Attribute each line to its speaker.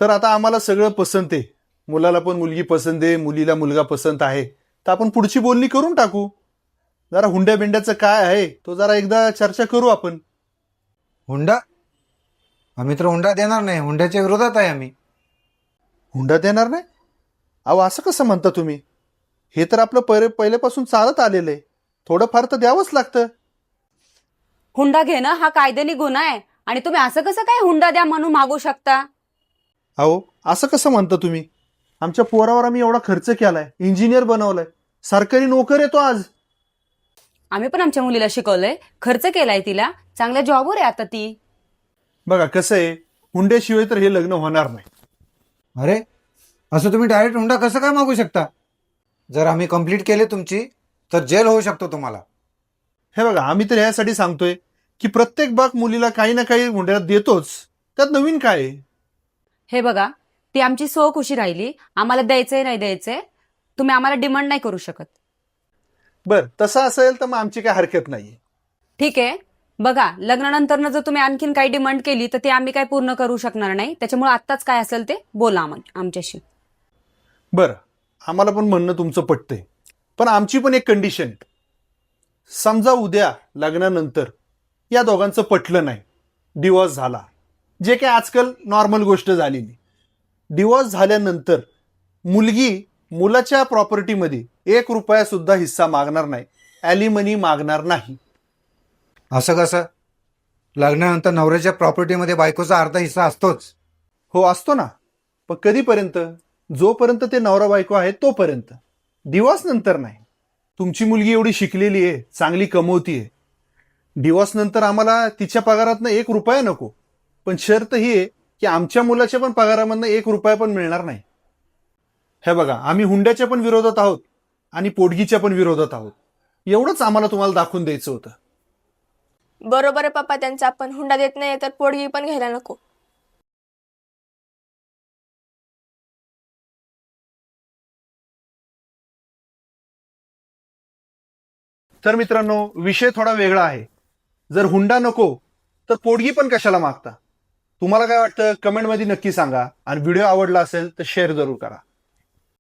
Speaker 1: तर आता आम्हाला सगळं पसंत आहे, मुलाला पण मुलगी पसंत आहे, मुलीला मुलगा पसंत आहे, तर आपण पुढची बोलणी करून टाकू. जरा हुंड्या बिंड्याचं काय आहे तो जरा एकदा चर्चा करू आपण.
Speaker 2: हुंडा? आम्ही तर हुंडा देणार नाही, हुंड्याच्या विरोधात आहे आम्ही.
Speaker 1: हुंडा देणार नाही? अहो असं कसं म्हणता तुम्ही? हे तर आपलं पहिल्यापासून चालत आलेलं आहे, थोडंफार तर द्यावंच लागतं.
Speaker 3: हुंडा घेणं हा कायद्याने गुन्हा आहे आणि तुम्ही असं कसं काय हुंडा द्या म्हणून मागू शकता?
Speaker 1: अहो असं कसं म्हणता तुम्ही? आमच्या पोरावर आम्ही एवढा खर्च केलाय, इंजिनियर बनवलाय, सरकारी नोकर आहे तो आज.
Speaker 3: आम्ही पण आमच्या मुलीला शिकवलंय, खर्च केलाय तिला, चांगल्या जॉबवर आहे आता ती.
Speaker 1: बघा कसं आहे, हुंड्याशिवाय तर हे लग्न होणार नाही.
Speaker 2: अरे, असं तुम्ही डायरेक्ट हुंडा कसं काय मागू शकता? जर आम्ही कंप्लीट केले तुमची तर जेल होऊ शकतो तुम्हाला.
Speaker 1: हे बघा, आम्ही तर ह्यासाठी सांगतोय की प्रत्येक बाग मुलीला काही ना काही हुंड्यात देतोच, त्यात नवीन काय आहे?
Speaker 3: हे बघा, ती आमची खुशी राहिली, आम्हाला द्यायचंय नाही द्यायचंय, तुम्ही आम्हाला डिमांड नाही करू शकत.
Speaker 1: बर तसं असेल तर मग आमची काही हरकत नाही.
Speaker 3: ठीक आहे, बघा लग्नानंतर जर तुम्ही आणखीन काही डिमांड केली तर ती आम्ही काय पूर्ण करू शकणार नाही, त्याच्यामुळे आत्ताच काय असेल ते बोला आमच्याशी.
Speaker 1: बरं, आम्हाला पण म्हणणं तुमचं पटतंय, पण आमची पण एक कंडिशन आहे. समजा उद्या लग्नानंतर या दोघांचं पटलं नाही, डिवोर्स झाला, जे काही आजकाल नॉर्मल गोष्ट झालेली. डिवोर्स झाल्यानंतर मुलगी मुलाच्या प्रॉपर्टीमध्ये 1 रुपया सुद्धा हिस्सा मागणार नाही, ॲलिमनी मागणार नाही.
Speaker 2: असं कसं? लग्नानंतर नवऱ्याच्या प्रॉपर्टीमध्ये बायकोचा अर्धा हिस्सा असतोच.
Speaker 1: हो असतो ना, पण कधीपर्यंत? जोपर्यंत ते नवरा बायको आहे तोपर्यंत, डिवोर्स नंतर नाही. तुमची मुलगी एवढी शिकलेली आहे, चांगली कमवतीये, डिवोर्स नंतर आम्हाला तिच्या पगारातनं 1 रुपया नको, पण शर्त ही आहे की आमच्या मुलाच्या पण पगारामधनं 1 रुपया पण मिळणार नाही. हे बघा, आम्ही हुंड्याच्या पण विरोधात आहोत आणि पोटगीच्या पण विरोधात आहोत, एवढंच आम्हाला तुम्हाला दाखवून द्यायचं होतं.
Speaker 4: बरोबर आहे पप्पा त्यांचा, आपण हुंडा देत नाही तर पोडगी पण घ्यायला नको.
Speaker 1: तर मित्रांनो, विषय थोडा वेगळा आहे. जर हुंडा नको तर पोटगी पण कशाला मागता? तुम्हाला काय वाटतं कमेंटमध्ये नक्की सांगा, आणि व्हिडिओ आवडला असेल तर शेअर जरूर करा.